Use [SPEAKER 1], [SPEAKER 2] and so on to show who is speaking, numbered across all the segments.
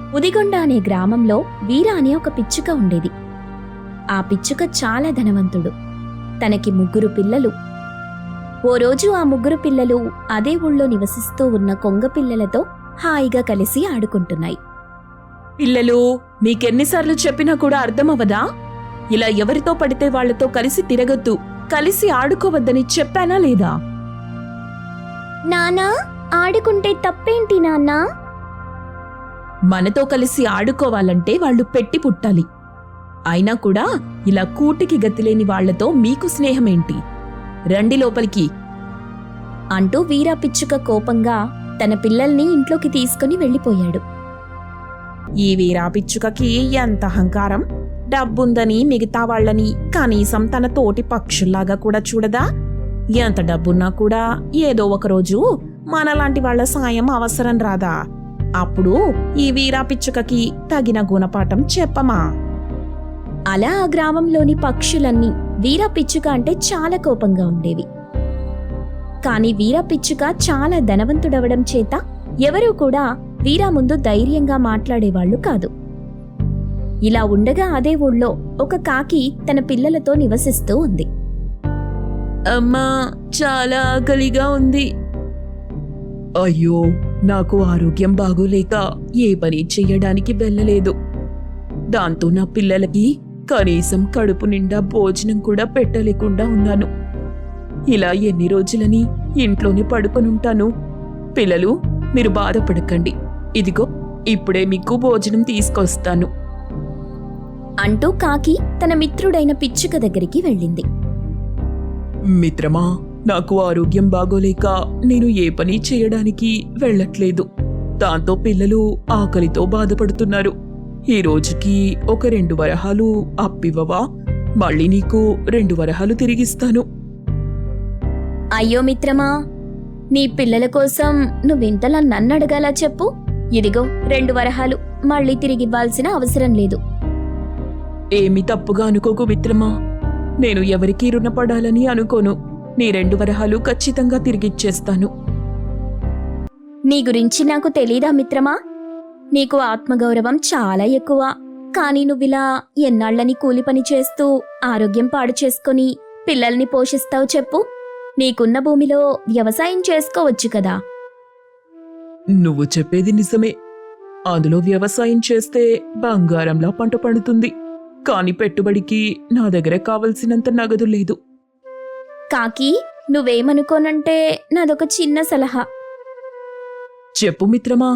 [SPEAKER 1] ఉదిగొండ అనే గ్రామంలో వీర అనే ఒక పిచ్చుక ఉండేది. ఆ పిచ్చుక చాలా ధనవంతుడు. తనకి 3 పిల్లలు. ఓ రోజు ఆ 3 పిల్లలు అదే ఊళ్ళో నివసిస్తూ ఉన్న కొంగ పిల్లలతో హాయిగా కలిసి ఆడుకుంటున్నాయి.
[SPEAKER 2] పిల్లలు, మీకెన్నిసార్లు చెప్పినా కూడా అర్థమవదా? ఇలా ఎవరితో పడితే వాళ్లతో కలిసి తిరగొద్దు, కలిసి ఆడుకోవద్దని చెప్పానా లేదా?
[SPEAKER 1] నానా, ఆడుకుంటే తప్పేంటి నాన్నా?
[SPEAKER 2] మనతో కలిసి ఆడుకోవాలంటే వాళ్ళు పెట్టి పుట్టాలి. అయినా కూడా ఇలా కూటికి గతిలేని వాళ్లతో మీకు స్నేహమేంటి? రండి లోపలికి
[SPEAKER 1] అంటూ వీరా పిచ్చుక కోపంగా తన పిల్లల్ని ఇంట్లోకి తీసుకుని వెళ్ళిపోయాడు.
[SPEAKER 2] ఈ వీరా పిచ్చుకకి ఎంత అహంకారం! డబ్బుందని మిగతా వాళ్ళని కనీసం తన తోటి పక్షుల్లాగా కూడా చూడదా? ఎంత డబ్బున్నా కూడా ఏదో ఒకరోజు మనలాంటి వాళ్ల సాయం అవసరం రాదా? అప్పుడు ఈ వీరా పిచ్చుకకి తగిన గుణపాఠం చెప్పమా?
[SPEAKER 1] అలా ఆ గ్రామంలోని పక్షులన్నీ వీరా పిచ్చుక అంటే చాలా కోపంగా ఉండేవి. కాని వీరా పిచ్చుక చాలా ధనవంతుడవడం చేత ఎవరూ కూడా వీరా ముందు ధైర్యంగా మాట్లాడేవాళ్లు కాదు. ఇలా ఉండగా అదే ఊళ్ళో ఒక కాకి తన పిల్లలతో నివసిస్తూ ఉంది.
[SPEAKER 2] అమ్మా, చాలా ఆకలిగా ఉంది. అయ్యో, నాకు ఆరోగ్యం బాగోలేక ఏ పని చెయ్యడానికి వెళ్ళలేదు. దాంతో నా పిల్లలకి కనీసం కడుపు నిండా భోజనం కూడా పెట్టలేకుండా ఉన్నాను. ఇలా ఎన్ని రోజులని ఇంట్లోనే పడుకొనుంటాను. పిల్లలు, మీరు బాధపడకండి. ఇదిగో ఇప్పుడే మీకు భోజనం తీసుకొస్తాను
[SPEAKER 1] అంటూ కాకి తన మిత్రుడైన పిచ్చుక దగ్గరికి వెళ్ళింది.
[SPEAKER 2] మిత్రమా, నాకు ఆరోగ్యం బాగోలేక నేను ఏ పని చేయడానికి వెళ్ళట్లేదు. దాంతో పిల్లలు ఆకలితో బాధపడుతున్నారు. ఈ రోజుకి ఒక 2 వరహాలు అప్పివ్వవా? మళ్ళీ నీకు 2 వరహాలు తిరిగిస్తాను.
[SPEAKER 1] అయ్యో మిత్రమా, నీ పిల్లల కోసం నువ్వింతలా నన్నడగాలా చెప్పు? ఇదిగో 2 వరహాలు మళ్ళీ తిరిగివ్వాల్సిన అవసరం లేదు.
[SPEAKER 2] ఏమి తప్పుగా అనుకోకు మిత్రమా. నేను ఎవరికీ రుణపడాలని అనుకోను. నీ 2 వరహాలు ఖచ్చితంగా తిరిగిచ్చేస్తాను.
[SPEAKER 1] నీ గురించి నాకు తెలీదా మిత్రమా? నీకు ఆత్మగౌరవం చాలా ఎక్కువ. కాని నువ్విలా ఎన్నాళ్లని కూలి పని చేస్తూ ఆరోగ్యం పాడు చేసుకుని పిల్లల్ని పోషిస్తావు చెప్పు? నీకున్న భూమిలో వ్యవసాయం చేసుకోవచ్చు కదా.
[SPEAKER 2] నువ్వు చెప్పేది నిజమే. అందులో వ్యవసాయం చేస్తే బంగారంలా పంట పండుతుంది. కాని పెట్టుబడికి నా దగ్గర కావలసినంత నగదు లేదు.
[SPEAKER 1] కాకి, నువ్వేమనుకోనంటే నాదొక చిన్న సలహా.
[SPEAKER 2] చెప్పు మిత్రమా.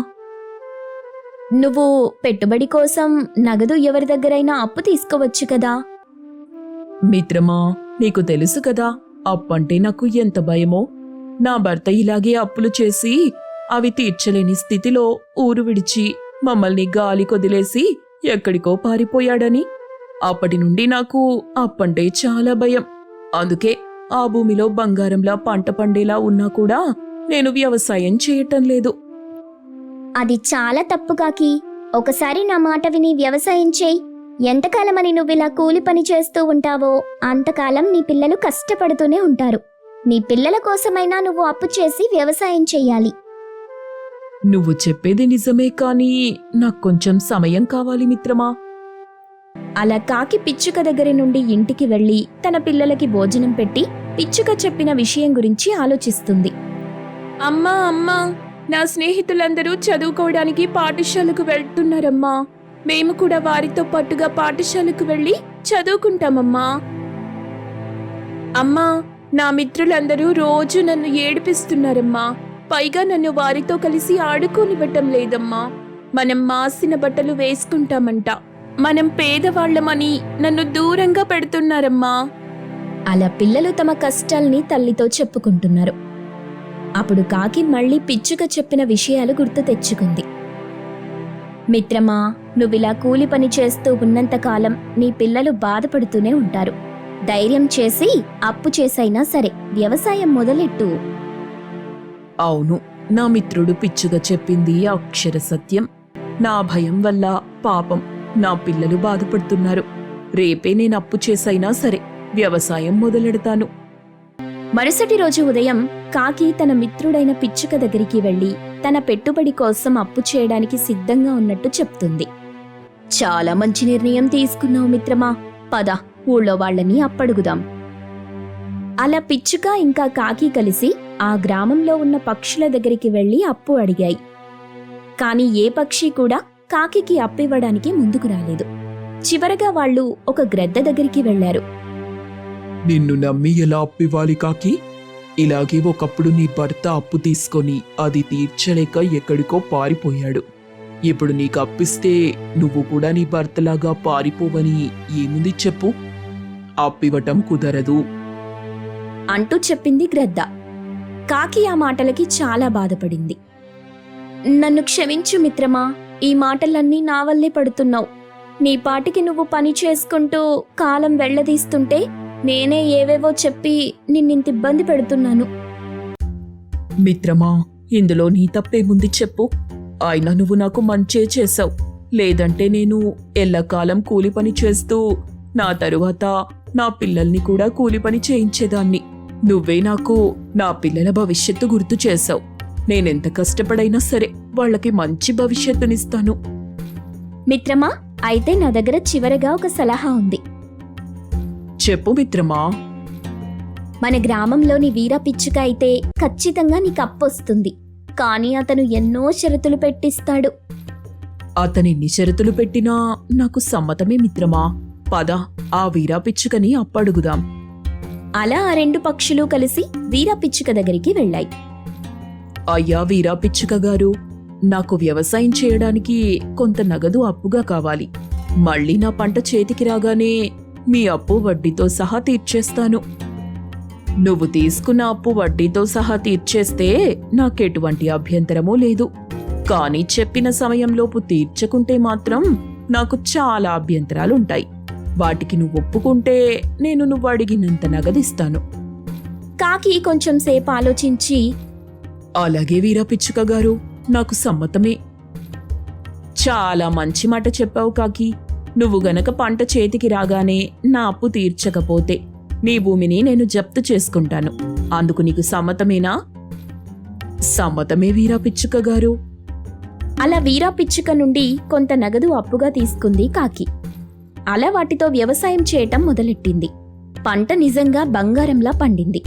[SPEAKER 1] నువ్వు పెట్టుబడి కోసం నగదు ఎవరి దగ్గరైనా అప్పు తీసుకోవచ్చు కదా.
[SPEAKER 2] మిత్రమా, నీకు తెలుసు కదా అప్పంటే నాకు ఎంత భయమో. నా భర్త ఇలాగే అప్పులు చేసి అవి తీర్చలేని స్థితిలో ఊరు విడిచి మమ్మల్ని గాలి కొదిలేసి ఎక్కడికో పారిపోయాడని. అప్పటి నుండి నాకు అప్పంటే చాలా భయం. అందుకే ఆ భూమిలో బంగారంలా పంట పండేలా ఉన్నా కూడా నేను వ్యవసాయం చేయటం లేదు.
[SPEAKER 1] అది చాలా తప్పు కాకి. ఒకసారి నా మాట విని వ్యవసాయం చేయి. ఎంతకాలమని నువ్విలా కూలి పని చేస్తూ ఉంటావో అంతకాలం నీ పిల్లలు కష్టపడుతూనే ఉంటారు. నీ పిల్లల కోసమైనా నువ్వు అప్పు చేసి వ్యవసాయం చెయ్యాలి.
[SPEAKER 2] నువ్వు చెప్పేది నిజమే, కానీ నాకు కొంచెం సమయం కావాలి మిత్రమా.
[SPEAKER 1] అలా కాకి పిచ్చుక దగ్గర నుండి ఇంటికి వెళ్లి తన పిల్లలకి భోజనం పెట్టి పిచ్చుక చెప్పిన విషయం గురించి ఆలోచిస్తుంది.
[SPEAKER 2] అమ్మా అమ్మా, నా స్నేహితులందరూ చదువుకోవడానికి పాఠశాలకు వెళ్తున్నారమ్మా. మేము కూడా వారితో పాటుగా పాఠశాలకు వెళ్ళి చదువుకుంటామమ్మా. అమ్మా, నా మిత్రులందరూ రోజు నన్ను ఏడిపిస్తున్నారమ్మా. పైగా నన్ను వారితో కలిసి ఆడుకోనివ్వటం లేదమ్మా. మనం మాసిన బట్టలు వేసుకుంటామంట. మనం పేదవాళ్లమని నన్ను దూరంగా పెడుతున్నారమ్మా.
[SPEAKER 1] అలా పిల్లలు తమ కష్టాల్ని తల్లితో చెప్పుకుంటున్నారు. అప్పుడు కాకి మళ్ళీ పిచ్చుక చెప్పిన విషయాలు గుర్తు తెచ్చుకుంది. మిత్రమా, నువ్విలా కూలి పని చేస్తూ ఉన్నంతకాలం నీ పిల్లలు బాధపడుతూనే ఉంటారు. ధైర్యం చేసి అప్పు చేసైనా సరే వ్యవసాయం మొదలెట్టు.
[SPEAKER 2] అవును, నా మిత్రుడు పిచ్చుగా చెప్పింది అక్షర సత్యం. నా భయం వల్ల పాపం నా పిల్లలు బాధపడుతున్నారు. రేపే నేను అప్పు చేసైనా సరే వ్యవసాయం మొదలెడతాను.
[SPEAKER 1] మరుసటి రోజు ఉదయం కాకి తన మిత్రుడైన పిచ్చుక దగ్గరికి వెళ్లి తన పెట్టుబడి కోసం అప్పు చేయడానికి సిద్ధంగా ఉన్నట్టు చెప్తుంది. చాలా మంచి నిర్ణయం తీసుకున్నావు మిత్రమా, పద ఊళ్ళో వాళ్ళని అప్పడుగుదాం. అలా పిచ్చుక ఇంకా కాకి కలిసి ఆ గ్రామంలో ఉన్న పక్షుల దగ్గరికి వెళ్లి అప్పు అడిగాయి. కాని ఏ పక్షి కూడా కాకికి అప్పివ్వడానికి ముందుకు రాలేదు. చివరగా వాళ్ళు ఒక గ్రద్ద దగ్గరికి వెళ్లారు.
[SPEAKER 2] నిన్ను నమ్మి ఎలా అప్పివ్వాలి కాకి? ఇలాగే ఒకప్పుడు నీ భర్త అప్పు తీసుకొని అది తీర్చలేక ఎక్కడికో పారిపోయాడు. ఇప్పుడు నీకు అప్పిస్తే నువ్వు కూడా నీ భర్తలాగా పారిపోవని ఏముంది చెప్పు? అప్పివ్వటం కుదరదు
[SPEAKER 1] అంటూ చెప్పింది గ్రద్ద. కాకి ఆ మాటలకి చాలా బాధపడింది. నన్ను క్షమించు మిత్రమా, ఈ మాటలన్నీ నా వల్లే పడుతున్నావు. నీ పాటికి నువ్వు పని చేసుకుంటూ కాలం వెళ్లదీస్తుంటే నేనే ఏవేవో చెప్పి నిన్నింత ఇబ్బంది పెడుతున్నాను.
[SPEAKER 2] మిత్రమా, ఇందులో నీ తప్పేముంది చెప్పు? అయినా నువ్వు నాకు మంచే చేశావు. లేదంటే నేను ఎల్లకాలం కూలి పని చేస్తూ నా తరువాత నా పిల్లల్ని కూడా కూలి పని చేయించేదాన్ని. నువ్వే నాకు నా పిల్లల భవిష్యత్తు గుర్తు చేశావు. నేనెంత కష్టపడైనా సరే వాళ్ళకి మంచి భవిష్యత్తునిస్తాను.
[SPEAKER 1] మిత్రమా, అయితే నా దగ్గర చివరగా ఒక సలహా ఉంది.
[SPEAKER 2] చెప్పు మిత్రమా.
[SPEAKER 1] మన గ్రామంలోని వీర పిచ్చుక అయితే ఖచ్చితంగా నీకు అప్పొస్తుంది. కానీ అతను ఎన్నో షరతులు పెట్టిస్తాడు.
[SPEAKER 2] అతనెన్ని షరతులు పెట్టినా నాకు సమ్మతమే మిత్రమా. పద ఆ వీరా పిచ్చుకని అప్పడుగుదాం.
[SPEAKER 1] అలా ఆ రెండు పక్షులు కలిసి వీర పిచ్చుక దగ్గరికి వెళ్ళాయి.
[SPEAKER 2] అయ్యా వీరా పిచ్చుక గారు, నాకు వ్యవసాయం చేయడానికి కొంత నగదు అప్పుగా కావాలి. మళ్ళీ నా పంట చేతికి రాగానే మీ అప్పు వడ్డీతో సహా తీర్చేస్తాను. నువ్వు తీసుకున్న అప్పు వడ్డీతో సహా తీర్చేస్తే నాకెటువంటి అభ్యంతరమూ లేదు. కానీ చెప్పిన సమయంలోపు తీర్చకుంటే మాత్రం నాకు చాలా అభ్యంతరాలుంటాయి. వాటికి నువ్వు ఒప్పుకుంటే నేను నువ్వు అడిగినంత నగదిస్తాను.
[SPEAKER 1] కాకి కొంచెం సేపు ఆలోచించి,
[SPEAKER 2] అలాగే వీరా పిచ్చుక గారు, నాకు సమ్మతమే. చాలా మంచి మాట చెప్పావు కాకి. నువ్వు గనక పంట చేతికి రాగానే నా అప్పు తీర్చకపోతే నీ భూమిని నేను జప్తు చేసుకుంటాను. అందుకు నీకు సమ్మతమేనా? సమ్మతమే వీరా పిచ్చుక గారు.
[SPEAKER 1] అలా వీరా పిచ్చుక నుండి కొంత నగదు అప్పుగా తీసుకుంది కాకి. అలా వాటితో వ్యవసాయం చేయటం మొదలెట్టింది. పంట నిజంగా బంగారంలా పండింది.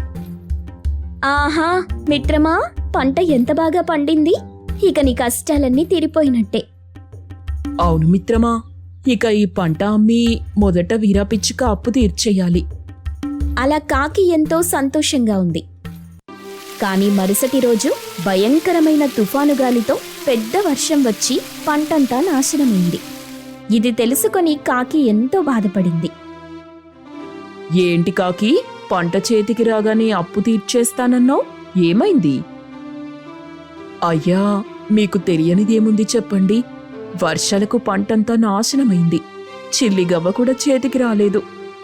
[SPEAKER 1] ఆహా మిత్రమా, పంట ఎంత బాగా పండింది. ఇక నీ కష్టాలన్నీ తీరిపోయినట్టే.
[SPEAKER 2] అవును మిత్రమా, ఇక ఈ పంట అమ్మి మొదట వీరా పిచ్చుక అప్పు తీర్చేయాలి.
[SPEAKER 1] అలా కాకి ఎంతో సంతోషంగా ఉంది. కాని మరుసటి రోజు భయంకరమైన తుఫాను గాలితో పెద్ద వర్షం వచ్చి పంటంతా నాశనమైంది. ఇది తెలుసుకొని కాకి ఎంతో బాధపడింది.
[SPEAKER 2] ఏంటి కాకి, పంట చేతికి రాగానే అప్పు తీర్చేస్తానన్నావు, ఏమైంది? అయ్యా, మీకు తెలియనిదేముంది చెప్పండి. వర్షాలకు పంటంతా నాశనమైంది. చిల్లిగవ్వ కూడా చేతికి రాలేదు.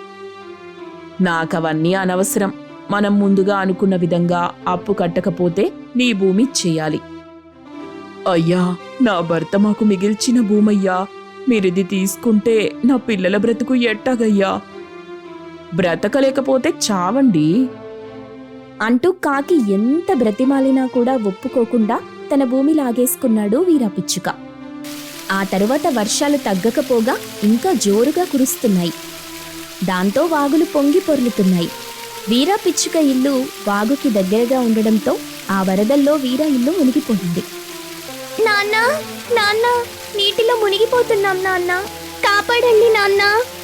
[SPEAKER 2] నాకవన్నీ అనవసరం. మనం ముందుగా అనుకున్న విధంగా అప్పు కట్టకపోతే నీ భూమి ఇచ్చేయాలి. అయ్యా, నా భర్త మాకు మిగిల్చిన భూమయ్యా. మీరిది తీసుకుంటే నా పిల్లల బ్రతుకు ఎట్టాగయ్యా? బ్రతకలేకపోతే చావండి
[SPEAKER 1] అంటూ కాకి ఎంత బ్రతిమాలినా కూడా ఒప్పుకోకుండా తన భూమి లాగేసుకున్నాడు వీరాపిచ్చుక. ఆ తరువాత వర్షాలు తగ్గకపోగా ఇంకా జోరుగా కురుస్తున్నాయి. దాంతో వాగులు పొంగి పొర్లుతున్నాయి. వీరాపిచ్చుక ఇల్లు వాగుకి దగ్గరగా ఉండడంతో ఆ వరదల్లో వీర ఇల్లు మునిగిపోయింది. నాన్నా, నాన్నా, నీటిలో మునిగిపోతున్నాం నాన్నా, కాపాడండి నాన్నా.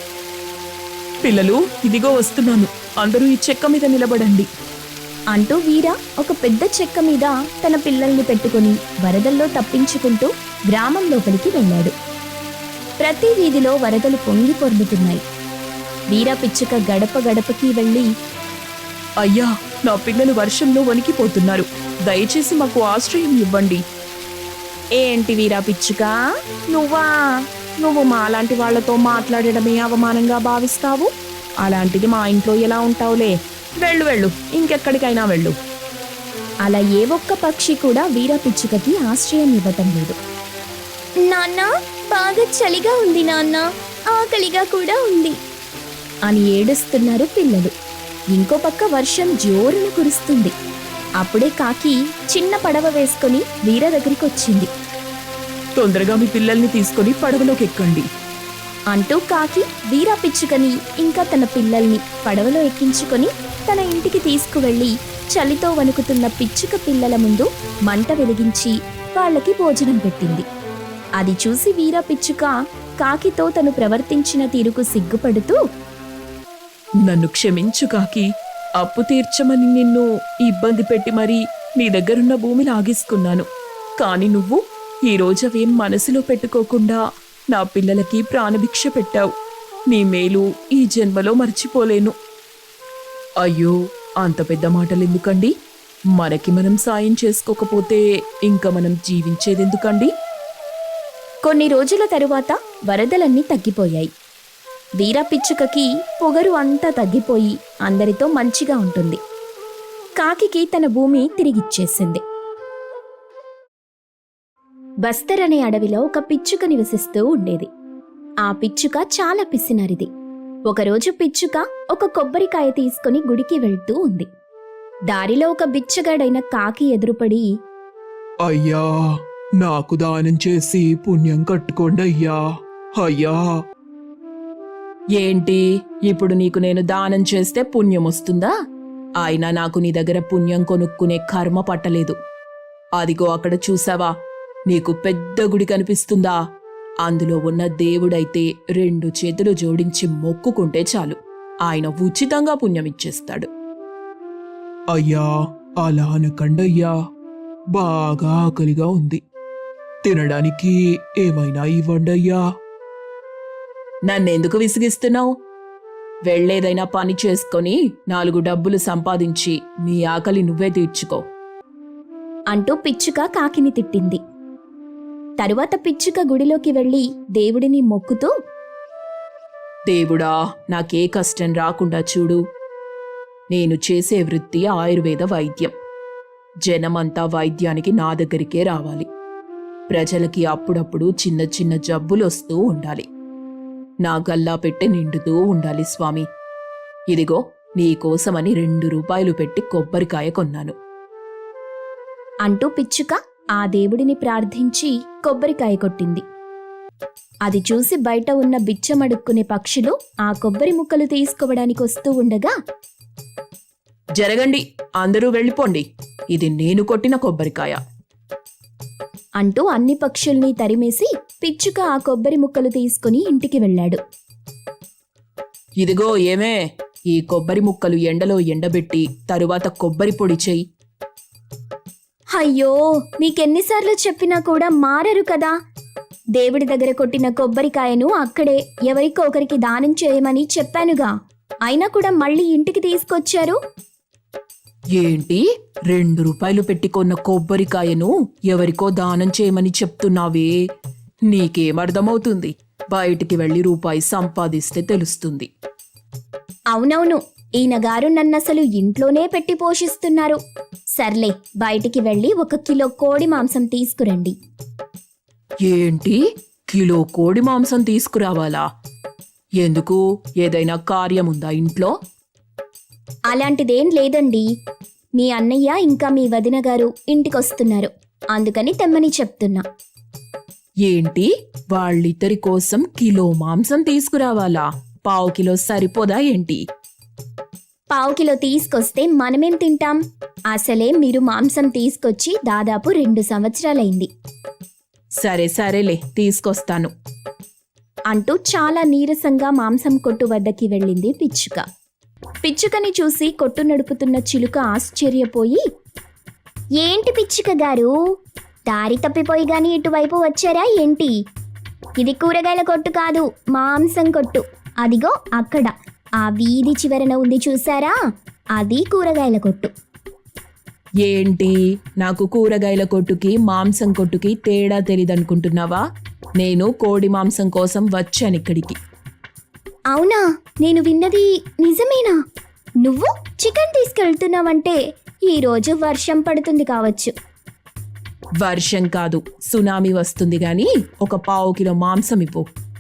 [SPEAKER 2] పిల్లలు, ఇదిగో వస్తున్నాను, అందరూ ఈ చెక్క మీద నిలబడండి
[SPEAKER 1] అంటూ వీర ఒక పెద్ద చెక్క మీద తన పిల్లల్ని పెట్టుకుని వరదల్లో తప్పించుకుంటూ గ్రామం లోపలికి వెళ్ళాడు. ప్రతి వీధిలో వరదలు పొంగి పొర్లుతున్నాయి. వీర పిచ్చుక గడప గడపకి వెళ్ళి,
[SPEAKER 2] అయ్యా, నా పిల్లలు వర్షంలో వణికిపోతున్నారు, దయచేసి మాకు ఆశ్రయం ఇవ్వండి.
[SPEAKER 1] ఏంటి వీరా పిచ్చుక, నువ్వు మాలాంటి వాళ్లతో మాట్లాడడమే అవమానంగా భావిస్తావు? అలాంటిది మా ఇంట్లో ఎలా ఉంటావులే. వెళ్ళు వెళ్ళు, ఇంకెక్కడికైనా వెళ్ళు. అలా ఏ ఒక్క పక్షి కూడా వీరా పిచ్చుకకి ఆశ్రయం ఇవ్వటం లేదు. నాన్న, బాగా చలిగా ఉంది నాన్న, ఆకలిగా కూడా ఉంది అని ఏడుస్తున్నారు పిల్లలు. ఇంకో పక్క వర్షం జోరున కురుస్తుంది. అప్పుడే కాకి చిన్న పడవ వేసుకొని వీర దగ్గరికి వచ్చింది.
[SPEAKER 2] తొందరగా మీ పిల్లల్ని తీసుకొని పడవలోకి ఎక్కండి.
[SPEAKER 1] అంటూ కాకి వీర పిచ్చుకని ఇంకా తన పిల్లల్ని పడవలో ఎక్కించుకొని తన ఇంటికి తీసుకువెళ్లి చలితో వణుకుతున్న పిచ్చుక పిల్లల ముందు మంట వెలిగించి వాళ్ళకి భోజనం పెట్టింది. అది చూసి వీర పిచ్చుక కాకితో తను ప్రవర్తించిన తీరుకు సిగ్గుపడుతూ,
[SPEAKER 2] నన్ను క్షమించు కాకి, అప్పు తీర్చమని నిన్ను ఇబ్బంది పెట్టి మరీ నీ దగ్గరున్న భూమి లాగేసుకున్నాను. కాని నువ్వు ఈరోజు అవేం మనసులో పెట్టుకోకుండా నా పిల్లలకి ప్రాణభిక్ష పెట్టావు. నీ మేలు ఈ జన్మలో మర్చిపోలేను. అయ్యో, అంత పెద్ద మాటలెందుకండి? మనకి మనం సాయం చేసుకోకపోతే ఇంకా మనం జీవించేదెందుకండి?
[SPEAKER 1] కొన్ని రోజుల తరువాత వరదలన్నీ తగ్గిపోయాయి. వీర పిచ్చుకకి పొగరు అంతా తగ్గిపోయి అందరితో మంచిగా ఉంటుంది. కాకికి తన భూమి తిరిగిచ్చేసింది. బస్తర్ అనే అడవిలో ఒక పిచ్చుక నివసిస్తూ ఉండేది. ఆ పిచ్చుక చాలా పిసినరిది. ఒకరోజు పిచ్చుక ఒక కొబ్బరికాయ తీసుకుని గుడికి వెళ్తూ ఉంది. దారిలో ఒక బిచ్చగాడైన కాకి ఎదురుపడి,
[SPEAKER 3] అయ్యా, నాకు దానం చేసి పుణ్యం కట్టుకోండి అయ్యా. అయ్యా,
[SPEAKER 2] ఏంటి, ఇప్పుడు నీకు నేను దానం చేస్తే పుణ్యం వస్తుందా? అయినా నాకు నీ దగ్గర పుణ్యం కొనుక్కునే కర్మ పట్టలేదు. అదిగో అక్కడ చూసావా, నీకు పెద్ద గుడి కనిపిస్తుందా? అందులో ఉన్న దేవుడైతే 2 చేతులు జోడించి మొక్కుకుంటే చాలు, ఆయన ఉచితంగా పుణ్యం ఇచ్చేస్తాడు.
[SPEAKER 3] అయ్యా, అలా అనకండయ్యా. బాగా ఆకలిగా ఉంది. తినడానికి ఏమైనా ఇవ్వండి అయ్యా.
[SPEAKER 2] నన్నెందుకు విసిగిస్తున్నావు? వెళ్ళేదైనా పని చేసుకొని 4 డబ్బులు సంపాదించి నీ ఆకలి నువ్వే తీర్చుకో
[SPEAKER 1] అంటూ పిచ్చుక కాకిని తిట్టింది. తరువాత పిచ్చుక గుడిలోకి వెళ్లి దేవుడిని మొక్కుతూ,
[SPEAKER 2] దేవుడా, నాకే కష్టం రాకుండా చూడు. నేను చేసే వృత్తి ఆయుర్వేద వైద్యం. జనమంతా వైద్యానికి నా దగ్గరికే రావాలి. ప్రజలకి అప్పుడప్పుడు చిన్న చిన్న జబ్బులు వస్తూ ఉండాలి. నా గల్లా పెట్టి నిండుతూ ఉండాలి స్వామి. ఇదిగో నీకోసమని 2 రూపాయలు పెట్టి కొబ్బరికాయ కొన్నాను
[SPEAKER 1] అంటూ పిచ్చుక ఆ దేవుడిని ప్రార్థించి కొబ్బరికాయ కొట్టింది. అది చూసి బయట ఉన్న బిచ్చమడుక్కునే పక్షులు ఆ కొబ్బరి ముక్కలు తీసుకోవడానికి వస్తూ ఉండగా,
[SPEAKER 2] జరగండి, అందరూ వెళ్ళిపోండి, ఇది నేను కొట్టిన కొబ్బరికాయ
[SPEAKER 1] అంటూ అన్ని పక్షుల్ని తరిమేసి పిచ్చుక ఆ కొబ్బరి ముక్కలు తీసుకుని ఇంటికి వెళ్ళాడు.
[SPEAKER 2] ఇదిగో ఏమే, ఈ కొబ్బరి ముక్కలు ఎండలో ఎండబెట్టి తరువాత కొబ్బరి పొడి చెయ్యి.
[SPEAKER 1] అయ్యో, మీకెన్నిసార్లు చెప్పినా కూడా మారరు కదా. దేవుడి దగ్గర కొట్టిన కొబ్బరికాయను అక్కడే ఎవరికో ఒకరికి దానం చేయమని చెప్పానుగా, అయినా కూడా మళ్ళీ ఇంటికి తీసుకొచ్చారు.
[SPEAKER 2] ఏంటి, 2 రూపాయలు పెట్టి కొన్న కొబ్బరికాయను ఎవరికో దానం చేయమని చెప్తున్నావే? నీకేమర్థమవుతుంది? బయటికి వెళ్ళి రూపాయి సంపాదిస్తే తెలుస్తుంది.
[SPEAKER 1] అవునవును, ఈయనగారు నన్నసలు ఇంట్లోనే పెట్టి పోషిస్తున్నారు. సర్లే, బయటికి వెళ్ళి 1 కిలో కోడి మాంసం తీసుకురండి.
[SPEAKER 2] ఏంటి, కిలో కోడి మాంసం తీసుకురావాలా? ఎందుకు, ఏదైనా కార్యముందా ఇంట్లో?
[SPEAKER 1] అలాంటిదేం లేదండి. మీ అన్నయ్య ఇంకా మీ వదిన గారు ఇంటికొస్తున్నారు, అందుకని తెమ్మని చెప్తున్నా.
[SPEAKER 2] ఏంటి, వాళ్ళిద్దరి కోసం కిలో మాంసం తీసుకురావాలా? 1/2 కిలో సరిపోదా ఏంటి?
[SPEAKER 1] 1/2 కిలో తీసుకొస్తే మనమేం తింటాం? అసలే మీరు మాంసం తీసుకొచ్చి దాదాపు 2 సంవత్సరాలైంది
[SPEAKER 2] సరే సరేలే, తీసుకొస్తాను
[SPEAKER 1] అంటూ చాలా నీరసంగా మాంసం కొట్టు వద్దకి వెళ్ళింది పిచ్చుక. పిచ్చుకని చూసి కొట్టు నడుపుతున్న చిలుక ఆశ్చర్యపోయి, ఏంటి పిచ్చుక గారు, దారి తప్పిపోయి గాని ఇటువైపు వచ్చారా ఏంటి? ఇది కూరగాయల కొట్టు కాదు, మాంసం కొట్టు. అదిగో అక్కడ ఆ వీధి చివరన ఉంది చూసారా, అది కూరగాయల కొట్టు.
[SPEAKER 2] ఏంటి, నాకు కూరగాయల కొట్టుకి మాంసం కొట్టుకి తేడా తెలీదనుకుంటున్నావా? నేను కోడి మాంసం కోసం వచ్చానిక్కడికి.
[SPEAKER 1] అవునా, నేను విన్నది నిజమేనా? నువ్వు చికెన్ తీసుకెళ్తున్నావంటే ఈరోజు వర్షం పడుతుంది కావచ్చు.
[SPEAKER 2] వర్షం కాదు, సునామీ వస్తుంది గాని 1/4 కిలో మాంసం ఇవ్వు.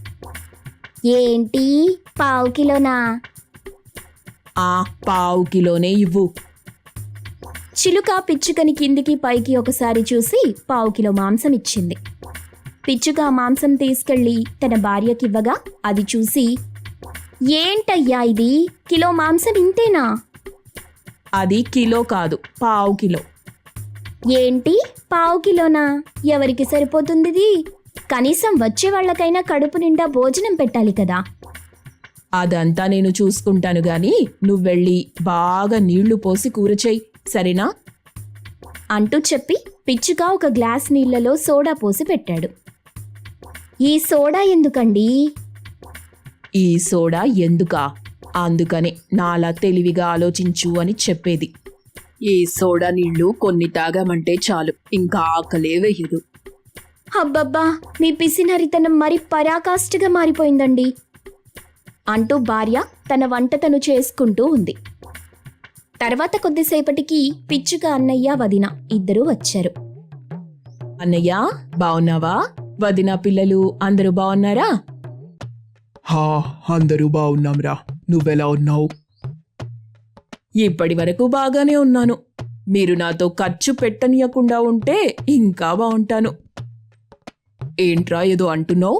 [SPEAKER 1] ఏంటి, 1/2 కిలోనా?
[SPEAKER 2] ఆ 1/4 కిలోనే ఇవ్వు.
[SPEAKER 1] చిలుక పిచ్చుకని కిందికి పైకి ఒకసారి చూసి 1/2 కిలో మాంసం ఇచ్చింది. పిచ్చుక ఆ మాంసం తీసుకెళ్లి తన భార్యకివ్వగా అది చూసి, ఏంటయ్యా ఇది, కిలో మాంసం ఇంతేనా?
[SPEAKER 2] అది కిలో కాదు, 1/2 కిలో.
[SPEAKER 1] ఏంటి 1/2 కిలోనా? ఎవరికి సరిపోతుంది ఇది? కనీసం వచ్చే వాళ్ళకైనా కడుపు నిండా భోజనం పెట్టాలి కదా.
[SPEAKER 2] అదంతా నేను చూసుకుంటాను గాని నువ్వెళ్ళి బాగా నీళ్లు పోసి కూర చెయ్యి, సరేనా?
[SPEAKER 1] అంటూ చెప్పి పిచ్చుక ఒక గ్లాస్ నీళ్లలో సోడా పోసి పెట్టాడు. ఈ సోడా ఎందుకండి?
[SPEAKER 2] ఈ సోడా ఎందుకా? అందుకనే నాలా తెలివిగా ఆలోచించు అని చెప్పేది. ఈ సోడా నీళ్లు కొన్ని తాగామంటే చాలు, ఇంకా ఆకలే వేయదు.
[SPEAKER 1] అబ్బబ్బా, మీ పిసినరితనం మరి పరాకాష్ఠగా మారిపోయిందండి అంటూ భార్య తన వంట తను చేసుకుంటూ ఉంది. తర్వాత కొద్దిసేపటికి పిచ్చుక అన్నయ్య వదిన ఇద్దరూ వచ్చారు.
[SPEAKER 2] అన్నయ్య బావున్నావా? వదిన పిల్లలు అందరూ బావున్నారా?
[SPEAKER 3] హా, అందరూ బాగున్నాంరా. నువ్వెలా ఉన్నావు?
[SPEAKER 2] ఇప్పటి వరకు బాగానే ఉన్నాను. మీరు నాతో ఖర్చు పెట్టనీయకుండా ఉంటే ఇంకా బావుంటాను. ఏంట్రా ఏదో అంటున్నావు?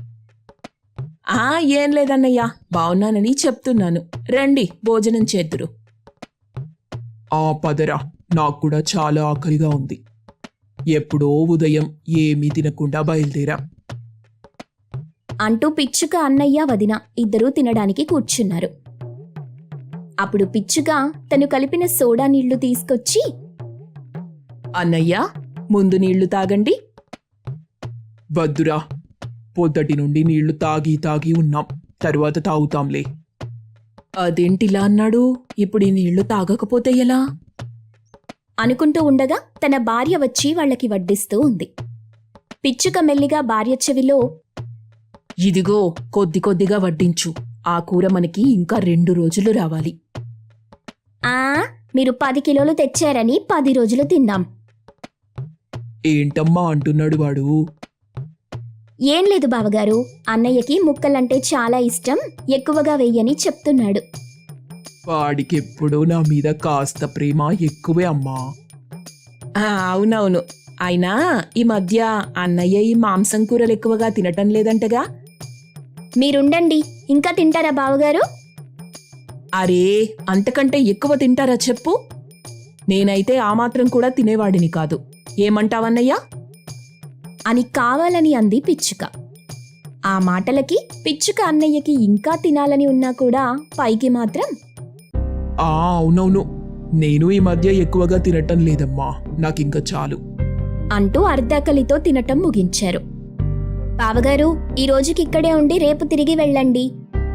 [SPEAKER 2] ఏం లేదన్నయ్యా, బావున్నానని చెప్తున్నాను. రండి భోజనం చేద్దురు.
[SPEAKER 3] పదరా, నాకు కూడా చాలా ఆకలిగా ఉంది. ఎప్పుడో ఉదయం ఏమీ తినకుండా బయలుదేరా.
[SPEAKER 1] అంటూ పిచ్చుక అన్నయ్య వదిన ఇద్దరూ తినడానికి కూర్చున్నారు. అప్పుడు పిచ్చుక తను కలిపిన సోడా నీళ్లు తీసుకొచ్చి,
[SPEAKER 2] అన్నయ్య ముందు నీళ్లు తాగండి.
[SPEAKER 3] వద్దురా, పొద్దటి నుండి నీళ్లు తాగి ఉన్నాం, తరువాత తాగుతాంలే.
[SPEAKER 2] అదేంటిలా అన్నాడు? ఇప్పుడు ఈ నీళ్లు తాగకపోతే ఎలా?
[SPEAKER 1] అనుకుంటూ ఉండగా తన భార్య వచ్చి వాళ్ళకి వడ్డిస్తూ ఉంది. పిచ్చుక మెల్లిగా భార్య చెవిలో,
[SPEAKER 2] ఇదిగో కొద్ది కొద్దిగా వడ్డించు, ఆ కూర మనకి ఇంకా 2 రోజులు రావాలి.
[SPEAKER 1] మీరు 10 కిలోలు తెచ్చారని 10 రోజులు తిన్నాం.
[SPEAKER 3] ఏంటమ్మా అంటున్నాడు వాడు?
[SPEAKER 1] ఏం లేదు బావగారు, అన్నయ్యకి ముక్కలంటే చాలా ఇష్టం, ఎక్కువగా వెయ్యని చెప్తున్నాడు.
[SPEAKER 3] వాడికెప్పుడూ నా మీద కాస్త ప్రేమ ఎక్కువే అమ్మా.
[SPEAKER 2] అవునవును. అయినా ఈ మధ్య అన్నయ్య ఈ మాంసం కూరలు ఎక్కువగా తినటం లేదంటగా?
[SPEAKER 1] మీరుండండి, ఇంకా తింటారా బావగారు?
[SPEAKER 2] అరే, అంతకంటే ఎక్కువ తింటారా చెప్పు? నేనైతే ఆ మాత్రం కూడా తినేవాడిని కాదు. ఏమంటావన్నయ్యా?
[SPEAKER 1] అని కావాలని అంది పిచ్చుక. ఆ మాటలకి పిచ్చుక అన్నయ్యకి ఇంకా తినాలని ఉన్నా కూడా పైకి మాత్రం,
[SPEAKER 3] అవునవును, నేను ఈ మధ్య ఎక్కువగా తినటం లేదమ్మా, నాకింక చాలు
[SPEAKER 1] అంటూ అర్ధాకలితో తినటం ముగించారు. బావగారు, ఈ రోజుకి ఇక్కడే ఉండి రేపు తిరిగి వెళ్ళండి.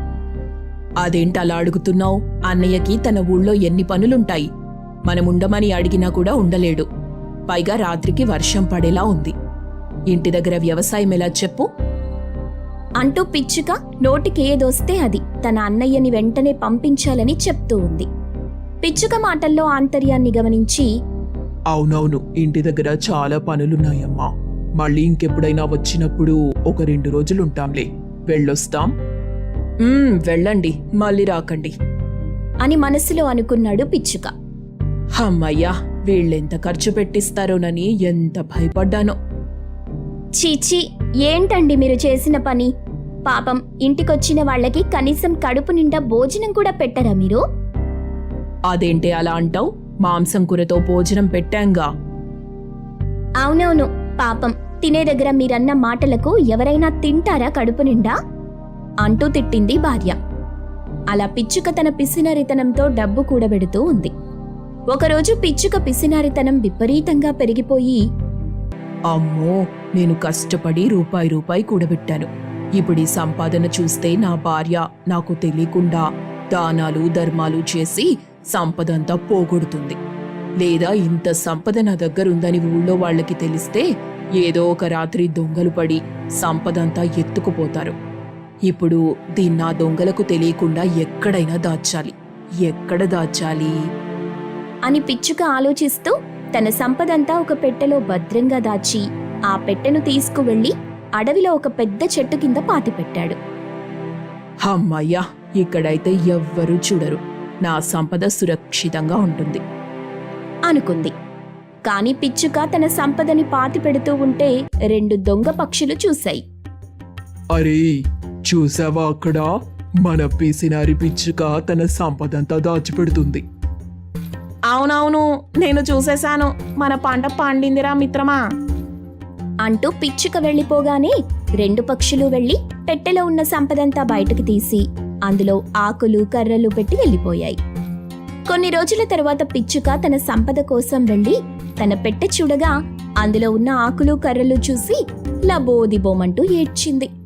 [SPEAKER 2] అదేంటలా అడుగుతున్నావు? అన్నయ్యకి తన ఊళ్ళో ఎన్ని పనులుంటాయి. మనముండమని అడిగినా కూడా ఉండలేడు. పైగా రాత్రికి వర్షం పడేలా ఉంది. ఇంటి దగ్గర వ్యవసాయం ఎలా చెప్పు?
[SPEAKER 1] అంటూ పిచ్చుక నోటికేదొస్తే అది తన అన్నయ్యని వెంటనే పంపించాలని చెప్తూ ఉంది. పిచ్చుక మాటల్లో ఆంతర్యాన్ని గమనించి,
[SPEAKER 3] అవునవును, ఇంటి దగ్గర చాలా పనులున్నాయమ్మా, మళ్ళీ ఇంకెప్పుడైనా వచ్చినప్పుడు ఒక 2 రోజులుంటాంలే, వెళ్ళొస్తాం.
[SPEAKER 2] వెళ్ళండి, మళ్ళీ రాకండి
[SPEAKER 1] అని మనసులో అనుకున్నాడు పిచ్చుక.
[SPEAKER 2] అమ్మయ్యా, వీళ్ళెంత ఖర్చు పెట్టిస్తారోనని ఎంత భయపడ్డానో.
[SPEAKER 1] చీచీ, ఏంటండి మీరు చేసిన పని? పాపం, ఇంటికొచ్చిన వాళ్ళకి కనీసం కడుపు నిండా భోజనం కూడా పెట్టరా మీరు?
[SPEAKER 2] అదేంటే అలా అంటావు? మాంసం కూరతో భోజనం పెట్టాంగా.
[SPEAKER 1] అవునవును, పాపం, తినే దగ్గర మీరన్న మాటలకు ఎవరైనా తింటారా కడుపు నిండా? అంటూ తిట్టింది భార్య. అలా పిచ్చుక తన పిసినారితనంతో డబ్బు కూడబెడుతూ ఉంది. ఒకరోజు పిచ్చుక పిసినారితనం విపరీతంగా పెరిగిపోయి,
[SPEAKER 2] అమ్మో, నేను కష్టపడి రూపాయి కూడబెట్టాను. ఇప్పుడు ఈ సంపాదన చూస్తే నా భార్య నాకు తెలియకుండా దానాలు ధర్మాలు చేసి సంపదంతా పోగొడుతుంది. లేదా ఇంత సంపద నా దగ్గరుందని ఊళ్ళో వాళ్ళకి తెలిస్తే ఏదో ఒక రాత్రి దొంగలు పడి సంపదంతా ఎత్తుకుపోతారు. ఇప్పుడు దీన్నా దొంగలకు తెలియకుండా ఎక్కడైనా దాచాలి. ఎక్కడ దాచాలి
[SPEAKER 1] అని పిచ్చుక ఆలోచిస్తూ తన సంపదంతా ఒక పెట్టెలో భద్రంగా దాచి ఆ పెట్టెను తీసుకువెళ్లి అడవిలో ఒక పెద్ద చెట్టు కింద పాతిపెట్టాడు.
[SPEAKER 2] అమ్మయ్యా, ఇక్కడైతే ఎవ్వరూ చూడరు. నా సంపద సురక్షితంగా ఉంటుంది
[SPEAKER 1] అనుకుంది. కాని పిచ్చుక తన సంపదని పాతిపెడుతూ ఉంటే 2 దొంగ పక్షులు చూశాయి.
[SPEAKER 3] అరే చూసావా అక్కడ మన పిసినారి పిచ్చుక తన సంపదంతా దాచిపెడుతుంది.
[SPEAKER 2] అవునవును, నేను చూసేశాను. మన పంట పండిందిరా మిత్రమా.
[SPEAKER 1] అంటూ పిచ్చుక వెళ్ళిపోగానే 2 పక్షులు వెళ్లి పెట్టెలో ఉన్న సంపదంతా బయటకు తీసి అందులో ఆకులు కర్రలు పెట్టి వెళ్ళిపోయాయి. కొన్ని రోజుల తర్వాత పిచ్చుక తన సంపద కోసం వెళ్లి తన పెట్టె చూడగా అందులో ఉన్న ఆకులు కర్రలు చూసి లబోదిబోమంటూ ఏడ్చింది.